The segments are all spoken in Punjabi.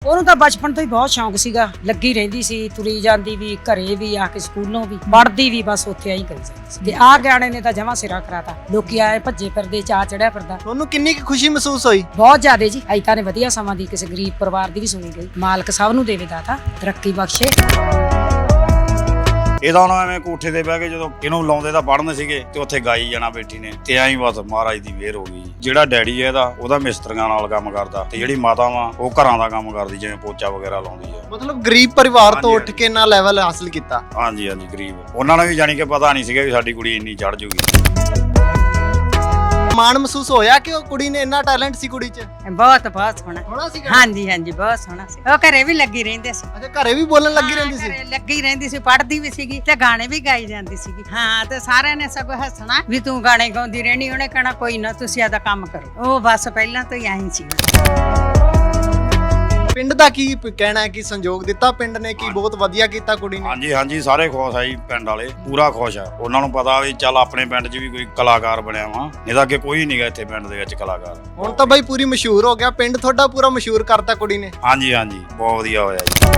ਉਹਨੂੰ ਤਾਂ ਬਚਪਨ ਤੋਂ ਹੀ ਬਹੁਤ ਸ਼ੌਂਕ ਸੀਗਾ, ਲੱਗੀ ਰਹਿੰਦੀ ਸੀ, ਤੁਰੀ ਜਾਂਦੀ ਵੀ, ਘਰੇ ਵੀ ਆ ਕੇ ਸਕੂਲੋਂ ਵੀ, ਪੜ੍ਹਦੀ ਵੀ, ਬਸ ਉੱਥੇ ਆਈ ਕਰੀ ਜਾਂਦੀ ਸੀ। ਤੇ ਆਹ ਗਾਣੇ ਨੇ ਤਾਂ ਜਮਾਂ ਸਿਰਾ ਕਰਾਤਾ, ਲੋਕੀ ਆਏ ਭੱਜੇ ਫਿਰਦੇ, ਚਾਅ ਚੜਿਆ ਫਿਰਦਾ। ਤੁਹਾਨੂੰ ਕਿੰਨੀ ਕੁ ਖੁਸ਼ੀ ਮਹਿਸੂਸ ਹੋਈ? ਬਹੁਤ ਜ਼ਿਆਦਾ ਜੀ। ਅਜੇ ਤਾਂ ਨੇ ਵਧੀਆ ਸਮਾਂ ਦੀ ਕਿਸੇ ਗਰੀਬ ਪਰਿਵਾਰ ਦੀ ਵੀ ਸੁਣੀ ਗਈ। ਮਾਲਕ ਸਭ ਨੂੰ ਦੇਵੇ ਦਾਤਾ, ਤਰੱਕੀ ਬਖਸ਼ੇ। ਇਹਦਾ ਹੁਣ ਐਵੇਂ ਕੋਠੇ ਤੇ ਬਹਿ ਕੇ ਜਦੋਂ ਇਹਨੂੰ ਲਾਉਂਦੇ ਤਾਂ ਪੜਨ ਸੀਗੇ ਤੇ ਉੱਥੇ ਗਾਈ ਜਾਣਾ ਬੇਟੀ ਨੇ, ਤੇ ਐਂ ਬਸ ਮਹਾਰਾਜ ਦੀ ਮਿਹਰ ਹੋ ਗਈ। ਜਿਹੜਾ ਡੈਡੀ ਹੈ ਉਹਦਾ ਮਿਸਤਰੀਆਂ ਨਾਲ ਕੰਮ ਕਰਦਾ, ਤੇ ਜਿਹੜੀ ਮਾਤਾ ਵਾ ਉਹ ਘਰਾਂ ਦਾ ਕੰਮ ਕਰਦੀ, ਜਿਵੇਂ ਪੋਚਾ ਵਗੈਰਾ ਲਾਉਂਦੀ ਆ। ਮਤਲਬ ਗਰੀਬ ਪਰਿਵਾਰ ਤੋਂ ਉੱਠ ਕੇ ਨਾ ਲੈਵਲ ਹਾਸਲ ਕੀਤਾ। ਹਾਂਜੀ ਹਾਂਜੀ, ਗਰੀਬ। ਉਹਨਾਂ ਨੂੰ ਵੀ ਜਾਣੀ ਕਿ ਪਤਾ ਨਹੀਂ ਸੀਗਾ ਵੀ ਸਾਡੀ ਕੁੜੀ ਇੰਨੀ ਚੜ ਜੂਗੀ। ਮਾਣ ਮਹਿਸੂਸ ਹੋਇਆ ਕਿ ਉਹ ਕੁੜੀ ਨੇ ਇੰਨਾ ਟੈਲੈਂਟ ਸੀ ਕੁੜੀ 'ਚ? ਬਹੁਤ ਸੋਹਣਾ। ਹੋਣਾ ਸੀ? ਹਾਂਜੀ ਹਾਂਜੀ, ਬਹੁਤ ਸੋਹਣਾ ਸੀ। ਉਹ ਘਰੇ ਵੀ ਲੱਗੀ ਰਹਿੰਦੇ ਸੀ। ਅੱਛਾ, ਘਰੇ ਵੀ ਬੋਲਣ ਲੱਗੀ ਰਹਿੰਦੀ ਸੀ? ਘਰੇ ਲੱਗੀ ਰਹਿੰਦੀ ਸੀ, ਪੜ੍ਹਦੀ ਵੀ ਸੀਗੀ ਤੇ ਗਾਣੇ ਵੀ ਗਾਈ ਜਾਂਦੀ ਸੀਗੀ। ਹਾਂ, ਤੇ ਸਾਰਿਆਂ ਨੇ ਸਗੋਂ ਹੱਸਣਾ ਵੀ ਤੂੰ ਗਾਣੇ ਗਾਉਂਦੀ ਰਹਿਣੀ, ਉਹਨੇ ਕਹਿਣਾ ਕੋਈ ਨਾ ਤੁਸੀਂ ਆਦਾ ਕੰਮ ਕਰੋ। ਉਹ ਬਸ ਪਹਿਲਾਂ ਤੋਂ ਹੀ ਆਈ ਸੀ। ਪਿੰਡ ਦਾ ਕੀ ਕਹਿਣਾ ਹੈ ਕਿ ਸੰਯੋਗ ਦਿੱਤਾ ਪਿੰਡ ਨੇ, ਕਿ ਬਹੁਤ ਵਧੀਆ ਕੀਤਾ ਕੁੜੀ ਨੇ? ਹਾਂਜੀ ਹਾਂਜੀ, ਸਾਰੇ ਖੁਸ਼ ਆ ਜੀ, ਪਿੰਡ ਵਾਲੇ ਪੂਰਾ ਖੁਸ਼ ਆ। ਉਹਨਾਂ ਨੂੰ ਪਤਾ ਵੀ ਚੱਲ ਆਪਣੇ ਪਿੰਡ 'ਚ ਵੀ ਕੋਈ ਕਲਾਕਾਰ ਬਣਿਆ ਵਾ, ਨਹੀਂ ਤਾਂ ਅੱਗੇ ਕੋਈ ਨਹੀਂਗਾ ਇੱਥੇ ਪਿੰਡ ਦੇ ਵਿੱਚ ਕਲਾਕਾਰ। ਹੁਣ ਤਾਂ ਬਾਈ ਪੂਰੀ ਮਸ਼ਹੂਰ ਹੋ ਗਿਆ, ਪਿੰਡ ਤੁਹਾਡਾ ਪੂਰਾ ਮਸ਼ਹੂਰ ਕਰਤਾ ਕੁੜੀ ਨੇ। ਹਾਂਜੀ ਹਾਂਜੀ, ਬਹੁਤ ਵਧੀਆ ਹੋਇਆ ਜੀ।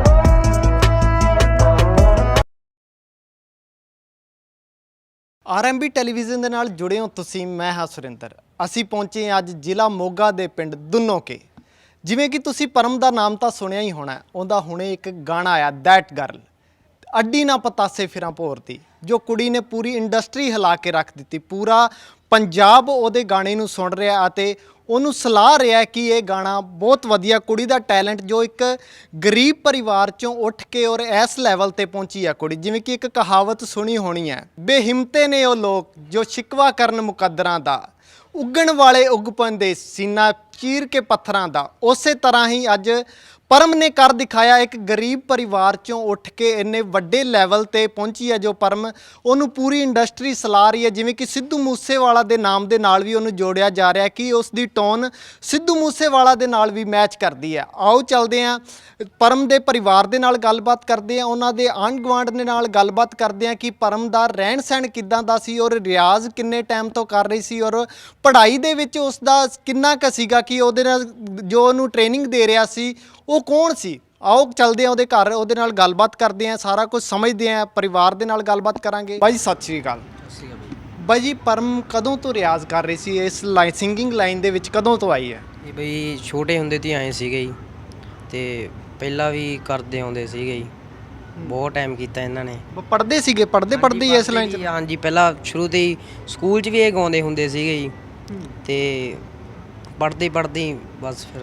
ਆਰਐਮਬੀ ਟੈਲੀਵਿਜ਼ਨ ਦੇ ਨਾਲ ਜੁੜੇ ਹੋ ਤੁਸੀਂ, ਮੈਂ ਹਾਂ ਸੁਰਿੰਦਰ। ਅਸੀਂ ਪਹੁੰਚੇ ਅੱਜ ਜ਼ਿਲ੍ਹਾ ਮੋਗਾ ਦੇ ਪਿੰਡ ਦੁੰਨੋਕੇ। ਜਿਵੇਂ ਕਿ ਤੁਸੀਂ ਪਰਮ ਦਾ ਨਾਮ ਤਾਂ ਸੁਣਿਆ ਹੀ ਹੋਣਾ, ਉਹਦਾ ਹੁਣੇ ਇੱਕ ਗਾਣਾ ਆਇਆ ਦੈਟ ਗਰਲ, ਅੱਡੀ ਨਾ ਪਤਾਸੇ ਫਿਰਾਂ ਭੋਰਦੀ, ਜੋ ਕੁੜੀ ਨੇ ਪੂਰੀ ਇੰਡਸਟਰੀ ਹਿਲਾ ਕੇ ਰੱਖ ਦਿੱਤੀ। ਪੂਰਾ ਪੰਜਾਬ ਉਹਦੇ ਗਾਣੇ ਨੂੰ ਸੁਣ ਰਿਹਾ ਅਤੇ ਉਹਨੂੰ ਸਲਾਹ ਰਿਹਾ ਕਿ ਇਹ ਗਾਣਾ ਬਹੁਤ ਵਧੀਆ, ਕੁੜੀ ਦਾ ਟੈਲੈਂਟ ਜੋ ਇੱਕ ਗਰੀਬ ਪਰਿਵਾਰ ਚੋਂ ਉੱਠ ਕੇ ਔਰ ਇਸ ਲੈਵਲ ਤੇ ਪਹੁੰਚੀ ਆ ਕੁੜੀ। ਜਿਵੇਂ ਕਿ ਇੱਕ ਕਹਾਵਤ ਸੁਣੀ ਹੋਣੀ ਹੈ, ਬੇਹਿੰਮਤੇ ਨੇ ਉਹ ਲੋਕ ਜੋ ਸ਼ਿਕਵਾ ਕਰਨ ਮੁਕੱਦਰਾਂ ਦਾ, ਉੱਗਣ ਵਾਲੇ ਉੱਗ ਪੈਂਦੇ ਸੀਨਾ ਚੀਰ ਕੇ ਪੱਥਰਾਂ ਦਾ। ਉਸੇ ਤਰ੍ਹਾਂ ਹੀ ਅੱਜ ਪਰਮ ਨੇ ਕਰ ਦਿਖਾਇਆ, ਇੱਕ ਗਰੀਬ ਪਰਿਵਾਰ ਚੋਂ ਉੱਠ ਕੇ ਇੰਨੇ ਵੱਡੇ ਲੈਵਲ ਤੇ ਪਹੁੰਚੀ ਹੈ ਜੋ ਪਰਮ, ਉਹਨੂੰ ਪੂਰੀ ਇੰਡਸਟਰੀ ਸਲਾਹ ਰਹੀ ਹੈ। ਜਿਵੇਂ ਕਿ ਸਿੱਧੂ ਮੂਸੇਵਾਲਾ ਦੇ ਨਾਮ ਦੇ ਨਾਲ ਵੀ ਉਹਨੂੰ ਜੋੜਿਆ ਜਾ ਰਿਹਾ ਕਿ ਉਸ ਦੀ ਟੋਨ ਸਿੱਧੂ ਮੂਸੇਵਾਲਾ ਦੇ ਨਾਲ ਵੀ ਮੈਚ ਕਰਦੀ ਹੈ। ਆਓ ਚੱਲਦੇ ਹਾਂ, ਪਰਮ ਦੇ ਪਰਿਵਾਰ ਦੇ ਨਾਲ ਗੱਲਬਾਤ ਕਰਦੇ ਹਾਂ, ਉਹਨਾਂ ਦੇ ਆਂਢ ਗੁਆਂਢ ਦੇ ਨਾਲ ਗੱਲਬਾਤ ਕਰਦੇ ਹਾਂ ਕਿ ਪਰਮ ਦਾ ਰਹਿਣ ਸਹਿਣ ਕਿੱਦਾਂ ਦਾ ਸੀ ਔਰ ਰਿਆਜ਼ ਕਿੰਨੇ ਟਾਈਮ ਤੋਂ ਕਰ ਰਹੀ ਸੀ ਔਰ ਪੜ੍ਹਾਈ ਦੇ ਵਿੱਚ ਉਸ ਦਾ ਕਿੰਨਾ ਕੁ ਸੀਗਾ, ਕਿ ਉਹਦੇ ਨਾਲ ਜੋ ਉਹਨੂੰ ਟ੍ਰੇਨਿੰਗ ਦੇ ਰਿਹਾ ਸੀ ਉਹ ਕੌਣ ਸੀ। ਆਓ ਚੱਲਦੇ ਹਾਂ ਉਹਦੇ ਘਰ, ਉਹਦੇ ਨਾਲ ਗੱਲਬਾਤ ਕਰਦੇ ਹਾਂ, ਸਾਰਾ ਕੁਝ ਸਮਝਦੇ ਹਾਂ, ਪਰਿਵਾਰ ਦੇ ਨਾਲ ਗੱਲਬਾਤ ਕਰਾਂਗੇ। ਬਾਈ ਸਤਿ ਸ਼੍ਰੀ ਅਕਾਲ। ਬਾਈ ਜੀ, ਪਰਮ ਕਦੋਂ ਤੋਂ ਰਿਆਜ਼ ਕਰ ਰਹੀ ਸੀ ਇਸ ਸਿੰਗਿੰਗ ਲਾਈਨ ਦੇ ਵਿੱਚ, ਕਦੋਂ ਤੋਂ ਆਈ ਹੈ? ਇਹ ਬਈ ਛੋਟੇ ਹੁੰਦੇ ਤੋਂ ਆਏ ਸੀਗੇ ਜੀ, ਤੇ ਪਹਿਲਾਂ ਵੀ ਕਰਦੇ ਆਉਂਦੇ ਸੀਗੇ ਜੀ, ਬਹੁਤ ਟਾਈਮ ਕੀਤਾ ਇਹਨਾਂ ਨੇ। ਪੜ੍ਹਦੇ ਸੀਗੇ? ਪੜ੍ਹਦੇ ਹੀ ਇਸ ਲਾਈਨ 'ਚ? ਹਾਂਜੀ, ਪਹਿਲਾਂ ਸ਼ੁਰੂ ਤੋਂ ਹੀ ਸਕੂਲ 'ਚ ਵੀ ਇਹ ਗਾਉਂਦੇ ਹੁੰਦੇ ਸੀਗੇ ਜੀ, ਤੇ ਪੜ੍ਹਦੇ ਬਸ ਫਿਰ।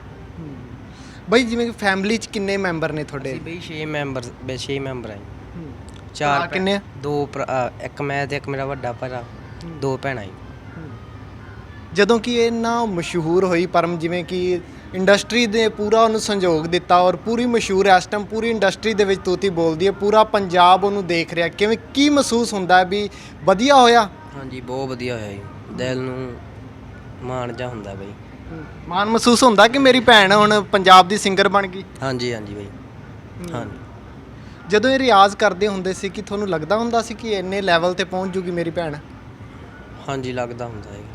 ਬਾਈ ਜਿਵੇਂ ਕਿ ਫੈਮਿਲੀ 'ਚ ਕਿੰਨੇ ਮੈਂਬਰ ਨੇ ਤੁਹਾਡੇ? ਬਈ 6 ਮੈਂਬਰ ਆ ਜੀ। 4 ਕਿੰਨੇ? 2 ਇੱਕ ਮੈਂ ਤੇ ਇੱਕ ਮੇਰਾ ਵੱਡਾ ਭਰਾ, 2 ਭੈਣਾਂ ਜੀ। ਜਦੋਂ ਕਿ ਇਹ ਨਾ ਮਸ਼ਹੂਰ ਹੋਈ ਪਰਮ, ਜਿਵੇਂ ਕਿ ਇੰਡਸਟਰੀ ਦੇ ਪੂਰਾ ਉਹਨੂੰ ਸੰਯੋਗ ਦਿੱਤਾ ਔਰ ਪੂਰੀ ਮਸ਼ਹੂਰ ਇਸ ਟਾਈਮ ਪੂਰੀ ਇੰਡਸਟਰੀ ਦੇ ਵਿੱਚ ਤੂਤੀ ਬੋਲਦੀ ਹੈ, ਪੂਰਾ ਪੰਜਾਬ ਉਹਨੂੰ ਦੇਖ ਰਿਹਾ। ਕਿਵੇਂ ਕੀ ਮਹਿਸੂਸ ਹੁੰਦਾ ਹੈ ਵੀ ਵਧੀਆ ਹੋਇਆ? ਹਾਂਜੀ, ਬਹੁਤ ਵਧੀਆ ਹੋਇਆ ਜੀ, ਦਿਲ ਨੂੰ ਮਾਣ ਜਾ ਹੁੰਦਾ ਬਈ। ਮਾਣ ਮਹਿਸੂਸ ਹੁੰਦਾ ਕਿ ਮੇਰੀ ਭੈਣ ਹੁਣ ਪੰਜਾਬ ਦੀ ਸਿੰਗਰ ਬਣ ਗਈ? ਹਾਂਜੀ ਹਾਂਜੀ ਬਈ, ਹਾਂਜੀ। ਜਦੋਂ ਇਹ ਰਿਆਜ਼ ਕਰਦੇ ਹੁੰਦੇ ਸੀ ਕਿ ਤੁਹਾਨੂੰ ਲੱਗਦਾ ਹੁੰਦਾ ਸੀ ਕਿ ਇੰਨੇ ਲੈਵਲ ਤੇ ਪਹੁੰਚ ਜੂਗੀ ਮੇਰੀ ਭੈਣ? ਹਾਂਜੀ, ਲੱਗਦਾ ਹੁੰਦਾ ਹੈ।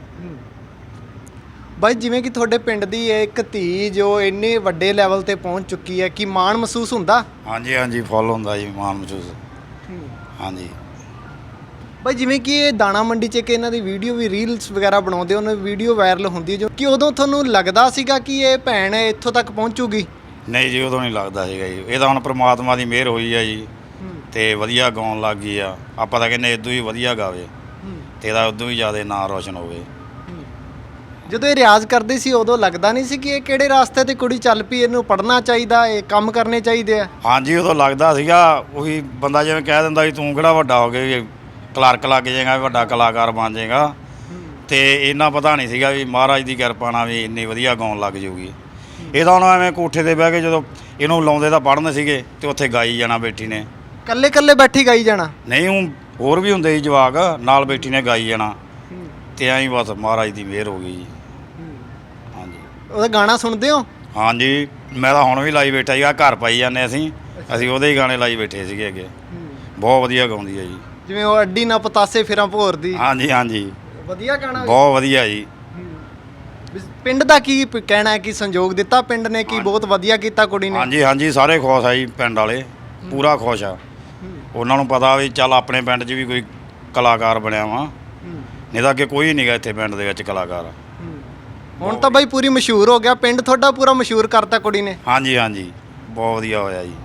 ਬਾਈ ਜਿਵੇਂ ਕਿ ਤੁਹਾਡੇ ਪਿੰਡ ਦੀ ਇੱਕ ਧੀ ਜੋ ਇੰਨੇ ਵੱਡੇ ਲੈਵਲ ਤੇ ਪਹੁੰਚ ਚੁੱਕੀ ਹੈ, ਕਿ ਮਾਣ ਮਹਿਸੂਸ ਹੁੰਦਾ? ਹਾਂਜੀ ਹਾਂਜੀ, ਫੁੱਲ ਹੁੰਦਾ ਜੀ ਮਾਣ ਮਹਿਸੂਸ। ਹਾਂਜੀ ਬਾਈ ਜਿਵੇਂ ਕਿ ਇਹ ਦਾਣਾ ਮੰਡੀ 'ਚ ਕਿ ਇਹਨਾਂ ਦੀ ਵੀਡੀਓ ਵੀ ਰੀਲਸ ਵਗੈਰਾ ਬਣਾਉਂਦੇ, ਉਹਨਾਂ ਦੀ ਵੀਡੀਓ ਵਾਇਰਲ ਹੁੰਦੀ ਹੈ, ਜੋ ਕਿ ਉਦੋਂ ਤੁਹਾਨੂੰ ਲੱਗਦਾ ਸੀਗਾ ਕਿ ਇਹ ਭੈਣ ਇੱਥੋਂ ਤੱਕ ਪਹੁੰਚੂਗੀ? ਨਹੀਂ ਜੀ, ਉਦੋਂ ਨਹੀਂ ਲੱਗਦਾ ਸੀਗਾ ਜੀ। ਇਹ ਤਾਂ ਹੁਣ ਪ੍ਰਮਾਤਮਾ ਦੀ ਮਿਹਰ ਹੋਈ ਆ ਜੀ, ਤੇ ਵਧੀਆ ਗਾਉਣ ਲੱਗ ਗਈ ਆ। ਆਪਾਂ ਤਾਂ ਕਹਿੰਦੇ ਇਦੋਂ ਹੀ ਵਧੀਆ ਗਾਵੇ ਤੇ ਇਹਦਾ ਉਦੋਂ ਹੀ ਜ਼ਿਆਦਾ ਨਾਂ ਰੋਸ਼ਨ ਹੋਵੇ। ਜਦੋਂ ਇਹ ਰਿਆਜ਼ ਕਰਦੇ ਸੀ ਉਦੋਂ ਲੱਗਦਾ ਨਹੀਂ ਸੀ ਕਿ ਇਹ ਕਿਹੜੇ ਰਾਸਤੇ ਤੇ ਕੁੜੀ ਚੱਲ ਪਈ, ਇਹਨੂੰ ਪੜ੍ਹਨਾ ਚਾਹੀਦਾ, ਇਹ ਕੰਮ ਕਰਨੇ ਚਾਹੀਦੇ ਆ? ਹਾਂਜੀ, ਉਦੋਂ ਲੱਗਦਾ ਸੀਗਾ। ਉਹੀ ਬੰਦਾ ਜਿਵੇਂ ਕਹਿ ਦਿੰਦਾ ਵੀ ਤੂੰ ਕਿਹੜਾ ਵੱਡਾ ਹੋ ਗਿਆ, ਕਲਰਕ ਲੱਗ ਜਾਏਗਾ, ਵੱਡਾ ਕਲਾਕਾਰ ਬਣ ਜਾਏਗਾ, ਤੇ ਇੰਨਾ ਪਤਾ ਨਹੀਂ ਸੀਗਾ ਵੀ ਮਹਾਰਾਜ ਦੀ ਕਿਰਪਾ ਨਾਲ ਵੀ ਇੰਨੀ ਵਧੀਆ ਗਾਉਣ ਲੱਗ ਜਾਊਗੀ। ਇਹ ਤਾਂ ਹੁਣ ਐਵੇਂ ਕੋਠੇ ਤੇ ਬਹਿ ਕੇ ਜਦੋਂ ਇਹਨੂੰ ਲਾਉਂਦੇ ਤਾਂ ਪੜ੍ਹਨ ਸੀਗੇ ਤੇ ਉੱਥੇ ਗਾਈ ਜਾਣਾ ਬੇਟੀ ਨੇ, ਕੱਲੇ ਬੈਠੀ ਗਾਈ ਜਾਣਾ? ਨਹੀਂ, ਹੋਰ ਵੀ ਹੁੰਦੇ ਸੀ ਜਵਾਕ ਨਾਲ, ਬੇਟੀ ਨੇ ਗਾਈ ਜਾਣਾ, ਤੇ ਐਂ ਬਸ ਮਹਾਰਾਜ ਦੀ ਮਿਹਰ ਹੋ ਗਈ ਜੀ। ਹਾਂਜੀ, ਉਹਦਾ ਗਾਣਾ ਸੁਣਦੇ ਹੋ? ਹਾਂਜੀ, ਮੈਂ ਤਾਂ ਹੁਣ ਵੀ ਲਾਈ ਬੈਠਾ ਸੀਗਾ, ਘਰ ਪਾਈ ਜਾਂਦੇ ਅਸੀਂ ਉਹਦੇ ਹੀ ਗਾਣੇ ਲਾਈ ਬੈਠੇ ਸੀਗੇ ਅੱਗੇ। ਬਹੁਤ ਵਧੀਆ ਗਾਉਂਦੀ ਹੈ ਜੀ, ਜਿਵੇਂ ਉਹ ਅੱਡੀ ਨਾ ਪਤਾਸੇ ਫਿਰਾਂ ਭੋਰਦੀ। ਹਾਂਜੀ ਹਾਂਜੀ, ਵਧੀਆ ਗਾਣਾ, ਬਹੁਤ ਵਧੀਆ ਜੀ। ਪਿੰਡ ਦਾ ਕੀ ਕਹਿਣਾ ਹੈ ਕਿ ਸੰਯੋਗ ਦਿੱਤਾ ਪਿੰਡ ਨੇ ਕਿ ਬਹੁਤ ਵਧੀਆ ਕੀਤਾ ਕੁੜੀ ਨੇ? ਹਾਂਜੀ ਹਾਂਜੀ, ਸਾਰੇ ਖੁਸ਼ ਆ ਜੀ, ਪਿੰਡ ਵਾਲੇ ਪੂਰਾ ਖੁਸ਼ ਆ। ਉਹਨਾਂ ਨੂੰ ਪਤਾ ਵੀ ਚੱਲ ਆਪਣੇ ਪਿੰਡ 'ਚ ਵੀ ਕੋਈ ਕਲਾਕਾਰ ਬਣਿਆ ਵਾ, ਨਹੀਂ ਤਾਂ ਅੱਗੇ ਕੋਈ ਨਹੀਂਗਾ ਇੱਥੇ ਪਿੰਡ ਦੇ ਵਿੱਚ ਕਲਾਕਾਰ। ਹੁਣ ਤਾਂ ਬਾਈ ਪੂਰੀ ਮਸ਼ਹੂਰ ਹੋ ਗਿਆ ਪਿੰਡ, ਤੁਹਾਡਾ ਪੂਰਾ ਮਸ਼ਹੂਰ ਕਰਤਾ ਕੁੜੀ ਨੇ। ਹਾਂਜੀ ਹਾਂਜੀ, ਬਹੁਤ ਵਧੀਆ ਹੋਇਆ ਜੀ।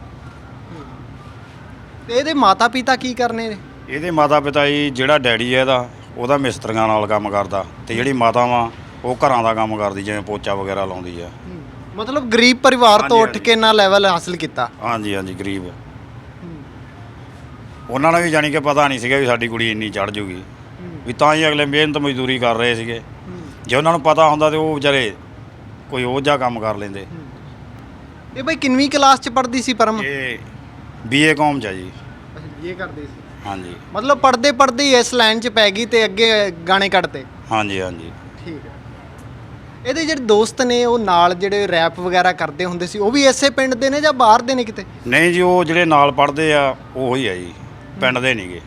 ਤੇ ਇਹਦੇ ਮਾਤਾ ਪਿਤਾ ਕੀ ਕਰਨੇ ਨੇ? ਇਹਦੇ ਮਾਤਾ ਪਿਤਾ ਜੀ, ਜਿਹੜਾ ਡੈਡੀ ਹੈ ਉਹਦਾ ਮਿਸਤਰੀਆਂ ਨਾਲ ਕੰਮ ਕਰਦਾ, ਤੇ ਜਿਹੜੀ ਮਾਤਾ ਵਾ ਉਹ ਘਰਾਂ ਦਾ ਕੰਮ ਕਰਦੀ, ਜਿਵੇਂ ਪੋਚਾ ਵਗੈਰਾ ਲਾਉਂਦੀ ਆ। ਮਤਲਬ ਗਰੀਬ ਪਰਿਵਾਰ ਤੋਂ ਹਾਂਜੀ, ਉੱਠ ਕੇ ਨਾ ਲੈਵਲ ਹਾਸਲ ਕੀਤਾ। ਹਾਂਜੀ ਹਾਂਜੀ, ਗਰੀਬ। ਉਹਨਾਂ ਨੂੰ ਵੀ ਜਾਣੀ ਕਿ ਪਤਾ ਨਹੀਂ ਸੀਗਾ ਵੀ ਸਾਡੀ ਕੁੜੀ ਇੰਨੀ ਚੜ ਜੂਗੀ, ਵੀ ਤਾਂ ਹੀ ਅਗਲੇ ਮਿਹਨਤ ਮਜ਼ਦੂਰੀ ਕਰ ਰਹੇ ਸੀਗੇ। ਜੇ ਉਹਨਾਂ ਨੂੰ ਪਤਾ ਹੁੰਦਾ ਤੇ ਉਹ ਵਿਚਾਰੇ ਕੋਈ ਉਹ ਜਿਹਾ ਕੰਮ ਕਰ ਲੈਂਦੇ। ਇਹ ਬਾਈ ਕਿੰਨਵੀਂ ਕਲਾਸ 'ਚ ਪੜ੍ਹਦੀ ਸੀ ਪਰਮ? ਇਹ ਬੀਏ ਕੌਮ 'ਚ ਆ ਜੀ। ਇਹ ਕਰਦੀ ਸੀ। ਹਾਂਜੀ ਮਤਲਬ ਪੜ੍ਹਦੇ ਪੜ੍ਹਦੇ ਹੀ ਇਸ ਲਾਈਨ 'ਚ ਪੈ ਗਈ ਤੇ ਅੱਗੇ ਗਾਣੇ ਕੱਢਤੇ। ਹਾਂਜੀ ਹਾਂਜੀ। ਠੀਕ ਹੈ। ਇਹਦੇ ਜਿਹੜੇ ਦੋਸਤ ਨੇ ਉਹ ਨਾਲ ਜਿਹੜੇ ਰੈਪ ਵਗੈਰਾ ਕਰਦੇ ਹੁੰਦੇ ਸੀ, ਉਹ ਵੀ ਇਸੇ ਪਿੰਡ ਦੇ ਨੇ ਜਾਂ ਬਾਹਰ ਦੇ ਨੇ ਕਿਤੇ? ਨਹੀਂ ਜੀ, ਉਹ ਜਿਹੜੇ ਨਾਲ ਪੜ੍ਹਦੇ ਆ ਉਹ ਹੀ ਆ ਜੀ, ਪਿੰਡ ਦੇ ਨਹੀਂਗੇ।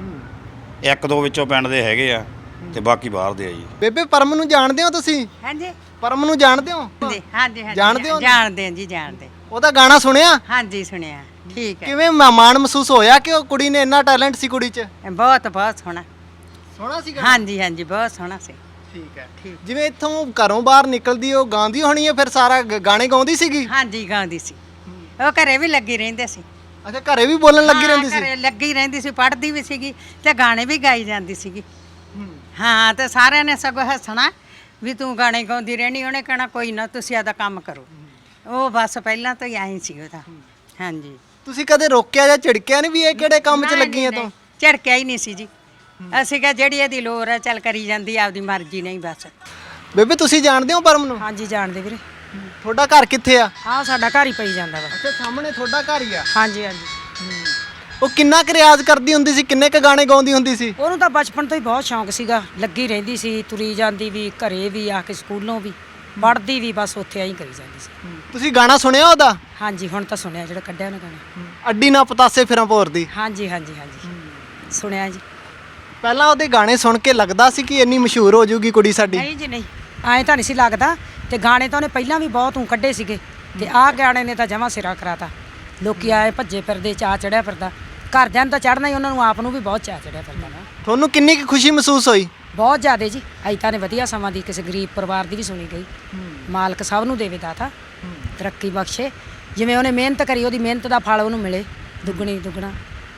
ਇੱਕ ਦੋ ਵਿੱਚੋਂ ਪਿੰਡ ਦੇ ਹੈਗੇ ਆ ਤੇ ਬਾਕੀ ਬਾਹਰ ਦੇ ਆ ਜੀ। ਬੇਬੇ ਪਰਮ ਨੂੰ ਜਾਣਦੇ ਹੋ ਤੁਸੀਂ? ਹਾਂਜੀ ਪਰਮ ਨੂੰ ਜਾਣਦੇ ਹੋ? ਹਾਂਜੀ ਹਾਂਜੀ ਜਾਣਦੇ ਹੋ? ਜਾਣਦੇ ਹਾਂ ਜੀ, ਜਾਣਦੇ। ਉਹਦਾ ਗਾਣਾ ਸੁਣਿਆ? ਹਾਂਜੀ ਸੁਣਿਆ। ਠੀਕ ਹੈ। ਕਿਵੇਂ ਮਾਣ ਮਹਿਸੂਸ ਹੋਇਆ ਕਿ ਉਹ ਕੁੜੀ ਨੇ ਇੰਨਾ ਟੈਲੈਂਟ ਸੀ ਕੁੜੀ 'ਚ? ਬਹੁਤ ਬਹੁਤ ਸੋਹਣਾ। ਸੋਹਣਾ ਸੀ ਹਾਂਜੀ ਹਾਂਜੀ, ਬਹੁਤ ਸੋਹਣਾ ਸੀ। ਠੀਕ ਹੈ। ਜਿਵੇਂ ਇੱਥੋਂ ਘਰੋਂ ਬਾਹਰ ਨਿਕਲਦੀ ਉਹ ਗਾਉਂਦੀ ਹੋਣੀ ਹੈ ਫਿਰ ਸਾਰਾ ਗਾਣੇ ਗਾਉਂਦੀ ਸੀਗੀ? ਹਾਂਜੀ ਗਾਉਂਦੀ ਸੀ। ਉਹ ਘਰੇ ਵੀ ਲੱਗੀ ਰਹਿੰਦੇ ਸੀ। ਅੱਛਾ, ਘਰੇ ਵੀ ਬੋਲਣ ਲੱਗੀ ਰਹਿੰਦੀ ਸੀ? ਘਰੇ ਲੱਗੀ ਰਹਿੰਦੀ ਸੀ, ਪੜ੍ਹਦੀ ਵੀ ਸੀਗੀ ਤੇ ਗਾਣੇ ਵੀ ਗਾਈ ਜਾਂਦੀ ਸੀਗੀ। ਹਾਂ, ਤੇ ਸਾਰਿਆਂ ਨੇ ਸਗੋਂ ਹੱਸਣਾ ਵੀ ਤੂੰ ਗਾਣੇ ਗਾਉਂਦੀ ਰਹਿਣੀ, ਉਹਨੇ ਕਹਿਣਾ ਕੋਈ ਨਾ ਤੁਸੀਂ ਆਦਾ ਕੰਮ ਕਰੋ। ਉਹ ਬਸ ਪਹਿਲਾਂ ਤੋਂ ਹੀ ਆਈ ਸੀ ਉਹਦਾ। ਹਾਂਜੀ। ਤੁਸੀਂ ਕਦੇ ਰੋਕਿਆ ਜਾਂ ਝਿੜਕਿਆ ਨਹੀਂ ਵੀ ਇਹ ਕਿਹੜੇ ਕੰਮ 'ਚ ਲੱਗੀ ਹੈ ਤੂੰ? ਝੜਕਿਆ ਹੀ ਨਹੀਂ ਸੀ ਜੀ। ਅਸੀਂ ਕਿਹਾ ਜਿਹੜੀ ਇਹਦੀ ਲੋੜ ਹੈ ਚੱਲ ਕਰੀ ਜਾਂਦੀ, ਆਪਦੀ ਮਰਜ਼ੀ ਨਹੀਂ ਬਸ। ਬੇਬੇ ਤੁਸੀਂ ਜਾਣਦੇ ਹੋ ਪਰਮ ਨੂੰ? ਹਾਂਜੀ ਜਾਣਦੇ ਵੀਰੇ। ਤੁਹਾਡਾ ਘਰ ਕਿੱਥੇ ਆ? ਆਹ ਸਾਡਾ ਘਰ ਹੀ ਪਈ ਜਾਂਦਾ ਵਾ। ਅੱਛਾ, ਸਾਹਮਣੇ ਤੁਹਾਡਾ ਘਰ ਹੀ ਆ। ਹਾਂਜੀ ਹਾਂਜੀ। ਉਹ ਕਿੰਨਾ ਕੁ ਰਿਆਜ਼ ਕਰਦੀ ਹੁੰਦੀ ਸੀ, ਕਿੰਨੇ ਕੁ ਗਾਣੇ ਗਾਉਂਦੀ ਹੁੰਦੀ ਸੀ? ਉਹਨੂੰ ਤਾਂ ਬਚਪਨ ਤੋਂ ਹੀ ਬਹੁਤ ਸ਼ੌਂਕ ਸੀਗਾ, ਲੱਗੀ ਰਹਿੰਦੀ ਸੀ, ਤੁਰੀ ਜਾਂਦੀ ਵੀ, ਘਰੇ ਵੀ ਆ ਕੇ ਸਕੂਲੋਂ ਵੀ, ਪੜ੍ਹਦੀ ਵੀ, ਬਸ ਉੱਥੇ ਆਈ ਕਰੀ ਜਾਂਦੀ ਸੀ। ਤੁਸੀਂ ਗਾਣਾ ਸੁਣਿਆ ਉਹਦਾ? ਹਾਂਜੀ ਹੁਣ ਤਾਂ ਸੁਣਿਆ ਜਿਹੜਾ ਕੱਢਿਆ ਉਹਨੇ ਗਾਣਾ। ਅੱਡੀ ਨਾ ਪਤਾਸੇ ਫਿਰਾਂ ਭੋਰਦੀ। ਹਾਂਜੀ ਹਾਂਜੀ ਹਾਂਜੀ ਸੁਣਿਆ ਜੀ। ਪਹਿਲਾਂ ਉਹਦੇ ਗਾਣੇ ਸੁਣ ਕੇ ਲੱਗਦਾ ਸੀ ਕਿ ਇੰਨੀ ਮਸ਼ਹੂਰ ਹੋ ਜਾਊਗੀ ਕੁੜੀ ਸਾਡੀ? ਨਹੀਂ ਜੀ ਨਹੀਂ, ਐਂ ਤਾਂ ਨਹੀਂ ਸੀ ਲੱਗਦਾ। ਤੇ ਗਾਣੇ ਤਾਂ ਉਹਨੇ ਪਹਿਲਾਂ ਵੀ ਬਹੁਤ ਕੱਢੇ ਸੀਗੇ, ਤੇ ਆਹ ਗਾਣੇ ਨੇ ਤਾਂ ਜਮਾਂ ਸਿਰਾ ਕਰਾਤਾ। ਲੋਕੀ ਆਏ ਭੱਜੇ ਫਿਰਦੇ, ਚਾਅ ਚੜਿਆ ਫਿਰਦਾ, ਘਰਦਿਆਂ ਨੂੰ ਤਾਂ ਚੜ੍ਹਨਾ ਹੀ, ਉਹਨਾਂ ਨੂੰ ਆਪ ਨੂੰ ਵੀ ਬਹੁਤ ਚਾਅ ਚੜਿਆ ਫਿਰਦਾ ਵਾ। ਤੁਹਾਨੂੰ ਕਿੰਨੀ ਕੁ ਖੁਸ਼ੀ ਮਹਿਸੂਸ ਹੋਈ? ਬਹੁਤ ਜ਼ਿਆਦਾ ਜੀ। ਅਜਿਹਾ ਨੇ ਵਧੀਆ ਸਮਾਂ ਦੀ, ਕਿਸੇ ਗਰੀਬ ਪਰਿਵਾਰ ਦੀ ਵੀ ਸੁਣੀ ਗਈ। ਮਾਲਕ ਸਭ ਨੂੰ ਦੇਵੇ ਦਾਤਾ, ਤਰੱਕੀ ਬਖਸ਼ੇ। ਜਿਵੇਂ ਉਹਨੇ ਮਿਹਨਤ ਕਰੀ, ਉਹਦੀ ਮਿਹਨਤ ਦਾ ਫਲ ਉਹਨੂੰ ਮਿਲੇ ਦੁੱਗਣੀ ਦੁੱਗਣਾ।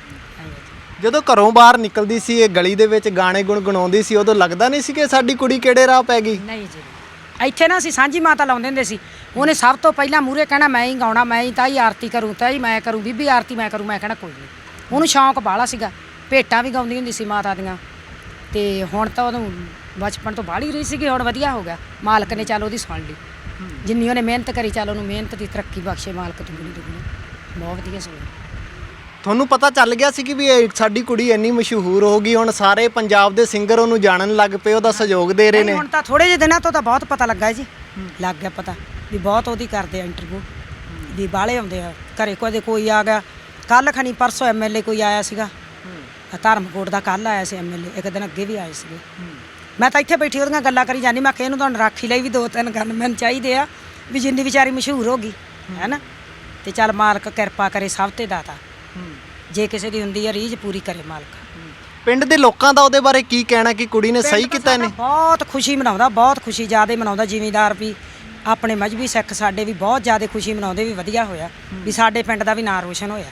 ਜਦੋਂ ਘਰੋਂ ਬਾਹਰ ਨਿਕਲਦੀ ਸੀ, ਇਹ ਗਲੀ ਦੇ ਵਿੱਚ ਗਾਣੇ ਗੁਣਗੁਣਾਉਂਦੀ ਸੀ, ਉਦੋਂ ਲੱਗਦਾ ਨਹੀਂ ਸੀ ਕਿ ਸਾਡੀ ਕੁੜੀ ਕਿਹੜੇ ਰਾਹ ਪੈ ਗਈ? ਨਹੀਂ ਜੀ, ਇੱਥੇ ਨਾ ਅਸੀਂ ਸਾਂਝੀ ਮਾਤਾ ਲਾਉਂਦੇ ਹੁੰਦੇ ਸੀ। ਉਹਨੇ ਸਭ ਤੋਂ ਪਹਿਲਾਂ ਮੂਹਰੇ ਕਹਿਣਾ ਮੈਂ ਹੀ ਗਾਉਣਾ, ਮੈਂ ਹੀ ਤਾਈ ਆਰਤੀ ਕਰੂੰ, ਤਾਈ ਮੈਂ ਕਰੂੰ, ਬੀਬੀ ਆਰਤੀ ਮੈਂ ਕਰੂੰ। ਮੈਂ ਕਹਿਣਾ ਕੋਈ ਨਹੀਂ। ਉਹਨੂੰ ਸ਼ੌਂਕ ਬਾਹਲਾ ਸੀਗਾ, ਭੇਟਾਂ ਵੀ ਗਾਉਂਦੀ ਹੁੰਦੀ ਸੀ ਮਾਤਾ ਦੀਆਂ। ਤੇ ਹੁਣ ਤਾਂ ਉਹਨੂੰ ਬਚਪਨ ਤੋਂ ਬਾਹਲੀ ਰਹੀ ਸੀਗੀ, ਹੁਣ ਵਧੀਆ ਹੋ ਗਿਆ। ਮਾਲਕ ਨੇ ਚੱਲ ਉਹਦੀ ਸੁਣ ਲਈ, ਜਿੰਨੀ ਉਹਨੇ ਮਿਹਨਤ ਕਰੀ, ਚੱਲ ਉਹਨੂੰ ਮਿਹਨਤ ਦੀ ਤਰੱਕੀ ਬਖਸ਼ੇ ਮਾਲਕ ਦੁੱਗਣੀ ਦੁੱਗਣੀ। ਬਹੁਤ ਵਧੀਆ ਸੁਣੀ। ਤੁਹਾਨੂੰ ਪਤਾ ਚੱਲ ਗਿਆ ਸੀ ਕਿ ਵੀ ਇਹ ਸਾਡੀ ਕੁੜੀ ਇੰਨੀ ਮਸ਼ਹੂਰ ਹੋ ਗਈ, ਹੁਣ ਸਾਰੇ ਪੰਜਾਬ ਦੇ ਸਿੰਗਰ ਉਹਨੂੰ ਜਾਣਨ ਲੱਗ ਪਏ, ਉਹਦਾ ਸਹਿਯੋਗ ਦੇ ਰਹੇ ਨੇ? ਹੁਣ ਤਾਂ ਥੋੜੇ ਜਿਹੇ ਦਿਨਾਂ ਤੋਂ ਤਾਂ ਬਹੁਤ ਪਤਾ ਲੱਗਾ ਜੀ, ਲੱਗ ਗਿਆ ਪਤਾ ਵੀ ਬਹੁਤ ਉਹਦੀ ਕਰਦੇ ਆ ਇੰਟਰਵਿਊ, ਵੀ ਬਾਹਲੇ ਆਉਂਦੇ ਆ ਘਰੇ। ਕੋਈ ਆ ਗਿਆ, ਕੱਲ ਖਣੀ ਪਰਸੋਂ ਐਮਐਲਏ ਕੋਈ ਆਇਆ ਸੀਗਾ, ਧਰਮਕੋਟ ਦਾ ਕੱਲ ਆਇਆ ਸੀ ਐਮਐਲਏ, ਇੱਕ ਦਿਨ ਅੱਗੇ ਵੀ ਆਏ ਸੀਗੇ। ਮੈਂ ਤਾਂ ਇੱਥੇ ਬੈਠੀ ਉਹਦੀਆਂ ਗੱਲਾਂ ਕਰੀ ਜਾਂਦੀ। ਮੈਂ ਕਿਹਾ ਇਹਨੂੰ ਤਾਂ ਰਾਖੀ ਲਈ ਵੀ 2-3 ਗਨਮੈਨ ਚਾਹੀਦੇ ਆ, ਵੀ ਜਿੰਨੀ ਵਿਚਾਰੀ ਮਸ਼ਹੂਰ ਹੋ ਗਈ ਹੈ ਨਾ। ਤੇ ਚੱਲ ਮਾਲਕ ਕਿਰਪਾ ਕਰੇ ਸਭ ਤੇ ਦਾਤਾ, ਜੇ ਕਿਸੇ ਦੀ ਹੁੰਦੀ ਆ ਰੀਝ ਪੂਰੀ ਕਰੇ ਮਾਲਕ। ਪਿੰਡ ਦੇ ਲੋਕਾਂ ਦਾ ਉਹਦੇ ਬਾਰੇ ਕੀ ਕਹਿਣਾ ਕਿ ਕੁੜੀ ਨੇ ਸਹੀ ਕੀਤਾ ਇਹਨੇ? ਬਹੁਤ ਖੁਸ਼ੀ ਮਨਾਉਂਦਾ, ਬਹੁਤ ਖੁਸ਼ੀ ਜ਼ਿਆਦਾ ਮਨਾਉਂਦਾ। ਜ਼ਿਮੀਂਦਾਰ ਵੀ, ਆਪਣੇ ਮਜ਼੍ਹਬੀ ਸਿੱਖ ਸਾਡੇ ਵੀ ਬਹੁਤ ਜ਼ਿਆਦਾ ਖੁਸ਼ੀ ਮਨਾਉਂਦੇ, ਵੀ ਵਧੀਆ ਹੋਇਆ ਵੀ ਸਾਡੇ ਪਿੰਡ ਦਾ ਵੀ ਨਾਂ ਰੋਸ਼ਨ ਹੋਇਆ।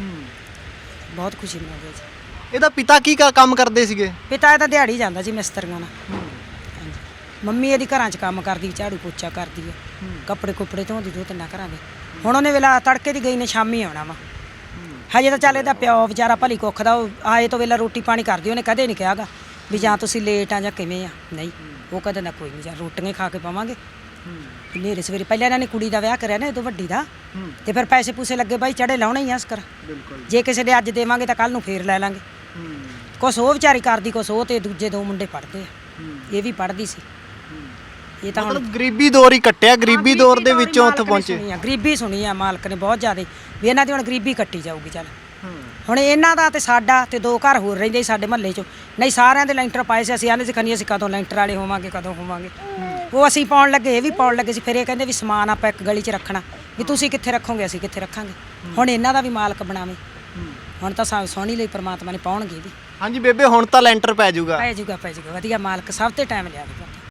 ਬਹੁਤ ਖੁਸ਼ੀ ਮਨਾਉਂਦੇ ਜੀ। ਇਹਦਾ ਪਿਤਾ ਕੀ ਕੰਮ ਕਰਦੇ ਸੀਗੇ? ਪਿਤਾ ਇਹਦਾ ਦਿਹਾੜੀ ਜਾਂਦਾ ਜੀ ਮਿਸਤਰੀਆਂ ਨਾਲ। ਹਾਂਜੀ। ਮੰਮੀ ਇਹਦੀ ਘਰਾਂ 'ਚ ਕੰਮ ਕਰਦੀ, ਝਾੜੂ ਪੋਚਾ ਕਰਦੀ ਆ, ਕੱਪੜੇ ਕੁੱਪੜੇ ਧੋਂਦੀ 2-3 ਘਰਾਂ ਦੇ। ਹੁਣ ਉਹਨੇ ਵੇਲਾ ਤੜਕੇ ਦੀ ਗਈ ਨੇ, ਸ਼ਾਮੀ ਆਉਣਾ ਵਾ। ਹਜੇ ਤਾਂ ਚੱਲ ਇਹਦਾ ਪਿਓ ਵਿਚਾਰਾ ਭਲੀ ਕੁੱਖ ਦਾ, ਉਹ ਆਏ ਤੋਂ ਵੇਲਾ ਰੋਟੀ ਪਾਣੀ ਕਰਦੀ। ਉਹਨੇ ਕਦੇ ਨਹੀਂ ਕਿਹਾਗਾ ਵੀ ਜਾਂ ਤੁਸੀਂ ਲੇਟ ਆ ਜਾਂ ਕਿਵੇਂ ਆ, ਨਹੀਂ। ਉਹ ਕਦੇ ਨਾ ਕੋਈ ਨਹੀਂ, ਜਾਂ ਰੋਟੀਆਂ ਖਾ ਕੇ ਪਾਵਾਂਗੇ ਹਨੇਰੇ ਸਵੇਰੇ। ਪਹਿਲਾਂ ਇਹਨਾਂ ਨੇ ਕੁੜੀ ਦਾ ਵਿਆਹ ਕਰਿਆ ਨਾ, ਇਹ ਤੋਂ ਵੱਡੀ ਦਾ, ਤੇ ਫਿਰ ਪੈਸੇ ਪੂਸੇ ਲੱਗੇ ਬਾਈ, ਚੜੇ ਲਾਉਣੇ ਹੀ ਆ ਅਸਕਰ। ਜੇ ਕਿਸੇ ਦੇ ਅੱਜ ਦੇਵਾਂਗੇ ਤਾਂ ਕੱਲ ਨੂੰ ਫੇਰ ਲੈ ਲਾਂਗੇ। ਕੁਛ ਉਹ ਵਿਚਾਰੀ ਕਰਦੀ, ਕੁਛ ਉਹ, ਤੇ ਦੂਜੇ 2 ਮੁੰਡੇ ਪੜ੍ਹਦੇ ਆ, ਇਹ ਵੀ ਪੜ੍ਹਦੀ ਸੀ। ਇਹ ਤਾਂ ਹੁਣ ਗਰੀਬੀ ਦੌਰ ਹੀ ਕੱਟਿਆ, ਗਰੀਬੀ ਦੌਰ ਦੇ ਵਿੱਚੋਂ ਉੱਥੇ ਪਹੁੰਚੇ। ਗਰੀਬੀ ਸੁਣੀ ਆ ਮਾਲਕ ਨੇ ਬਹੁਤ ਜ਼ਿਆਦਾ, ਵੀ ਇਹਨਾਂ ਦੀ ਹੁਣ ਗਰੀਬੀ ਕੱਟੀ ਜਾਊਗੀ। ਚੱਲ ਹੁਣ ਇਹਨਾਂ ਦਾ ਤੇ ਸਾਡਾ ਤੇ 2 ਘਰ ਹੋਰ ਰਹਿੰਦੇ ਸੀ ਸਾਡੇ ਮਹੱਲੇ 'ਚੋਂ, ਨਹੀਂ ਸਾਰਿਆਂ ਦੇ ਲੈਂਟਰ ਪਾਏ ਸੀ। ਅਸੀਂ ਆਨੇ ਸਿਖਾਨੀ ਅਸੀਂ ਕਦੋਂ ਲੈਂਟਰ ਵਾਲੇ ਹੋਵਾਂਗੇ, ਕਦੋਂ ਹੋਵਾਂਗੇ। ਉਹ ਅਸੀਂ ਪਾਉਣ ਲੱਗੇ, ਇਹ ਵੀ ਪਾਉਣ ਲੱਗੇ ਸੀ। ਫਿਰ ਇਹ ਕਹਿੰਦੇ ਵੀ ਸਮਾਨ ਆਪਾਂ ਇੱਕ ਗਲੀ 'ਚ ਰੱਖਣਾ, ਵੀ ਤੁਸੀਂ ਕਿੱਥੇ ਰੱਖੋਗੇ, ਅਸੀਂ ਕਿੱਥੇ ਰੱਖਾਂਗੇ। ਹੁਣ ਇਹਨਾਂ ਦਾ ਵੀ ਮਾਲਕ ਬਣਾਵੇ। ਹੁਣ ਤਾਂ ਸੋਹਣੀ ਲਈ ਪ੍ਰਮਾਤਮਾ ਨੇ ਪਾਉਣਗੇ ਵੀ। ਹਾਂਜੀ ਬੇਬੇ, ਹੁਣ ਤਾਂ ਲੈਂਟਰ ਪੈ ਜਾਊਗਾ। ਪੈ ਜੂਗਾ ਵਧੀਆ, ਮਾਲਕ ਸਭ ਤੇ ਟਾਈਮ ਲਿਆ ਪੁੱਤ।